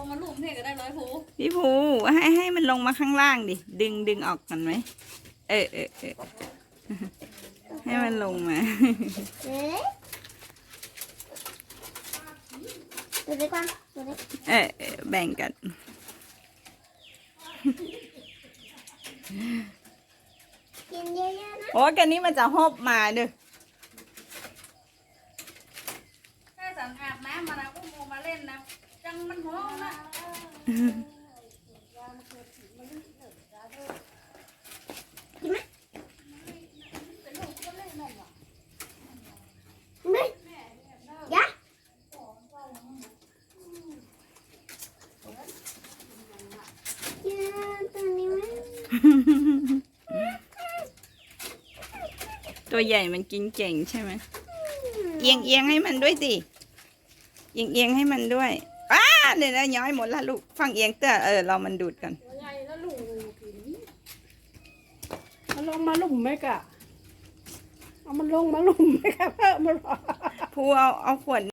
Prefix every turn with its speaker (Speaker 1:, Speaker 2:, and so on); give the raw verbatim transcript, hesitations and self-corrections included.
Speaker 1: งมาลูบเนี่ยก็ได้ร้อยภู
Speaker 2: พี่ภูให้ให้มันลงมาข้างล่างดิดึงดึงออกกันไหมเออเออเออให้มันลงมา
Speaker 3: ดูดีกว่าดูดิ
Speaker 2: เออเออแบ่งกัน
Speaker 3: กินเยอะๆนะ
Speaker 2: โอ้กันนี้มันจะหอบมาเด้อ
Speaker 1: ถ้าสั่งอาบน้ำมานะอุ้มมาเล่นนะจังมันห้องนะ
Speaker 3: กินไหมไม่ยะกินตัวนี้ไหม
Speaker 2: ตัวใหญ่มันกินเก่งใช่ไหมเอียงเอียงให้มันด้วยสิเอียงเอียงให้มันด้วยอ้าเดี๋ยวนะย้อยหมดละลูกฟังเอียงเตอเออเรามันดูดกัน
Speaker 4: ใหญ่แล้วลูกกินมันลงมาลุ่มไหมกะเอามันลงมาลุ่มไหมกะเพิ่มมาหรอ
Speaker 2: พูเอาเอาขวด